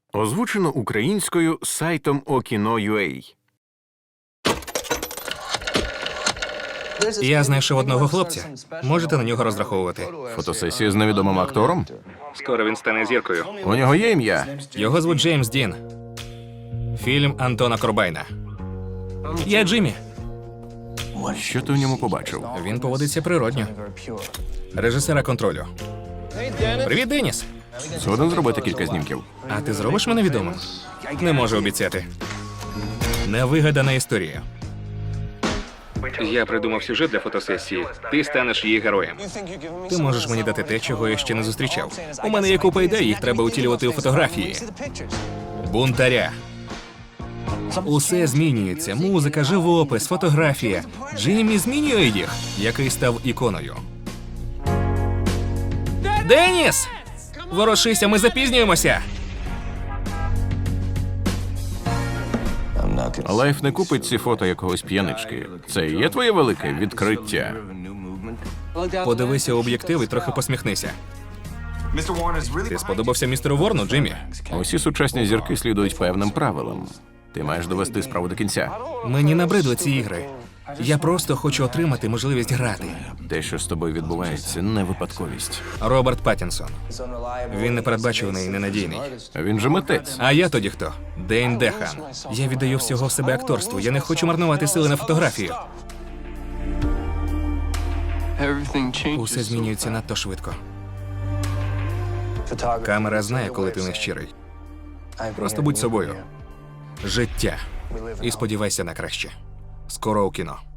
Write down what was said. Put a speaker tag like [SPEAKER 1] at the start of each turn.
[SPEAKER 1] Озвучено українською сайтом Okino.ua.
[SPEAKER 2] Я знайшов одного хлопця. Можете на нього розраховувати.
[SPEAKER 1] Фотосесія з невідомим актором?
[SPEAKER 2] Скоро він стане зіркою.
[SPEAKER 1] У нього є ім'я?
[SPEAKER 2] Його звуть Джеймс Дін. Фільм Антона Корбайна. Я Джиммі.
[SPEAKER 1] Що ти в ньому побачив?
[SPEAKER 2] Він поводиться природньо. Режисера контролю. Привіт, Деніс.
[SPEAKER 1] Згоден зробити кілька знімків.
[SPEAKER 2] А ти зробиш мене відомим? Не можу обіцяти. Невигадана історія. Я придумав сюжет для фотосесії. Ти станеш її героєм. Ти можеш мені дати те, чого я ще не зустрічав. У мене є купа ідей, їх треба утілювати у фотографії. Бунтаря. Усе змінюється. Музика, живопис, фотографія. Джиммі змінює їх, який став іконою. Деніс! Ворушися, ми запізнюємося!
[SPEAKER 1] Лайф не купить ці фото якогось п'янички. Це і є твоє велике відкриття.
[SPEAKER 2] Подивися у об'єктив і трохи посміхнися. Ти сподобався містеру Ворну, Джиммі?
[SPEAKER 1] Усі сучасні зірки слідують певним правилам. Ти маєш довести справу до кінця.
[SPEAKER 2] Мені набридли ці ігри. Я просто хочу отримати можливість грати.
[SPEAKER 1] Те, що з тобою відбувається, не випадковість.
[SPEAKER 2] Роберт Паттінсон. Він непередбачуваний і ненадійний.
[SPEAKER 1] Він же митець.
[SPEAKER 2] А я тоді хто? Дейн Дехан. Я віддаю всього себе акторству. Я не хочу марнувати сили на фотографію. Усе змінюється надто швидко. Камера знає, коли ти нещирий. Просто будь собою. Життя. І сподівайся на краще. Скоро у кіно.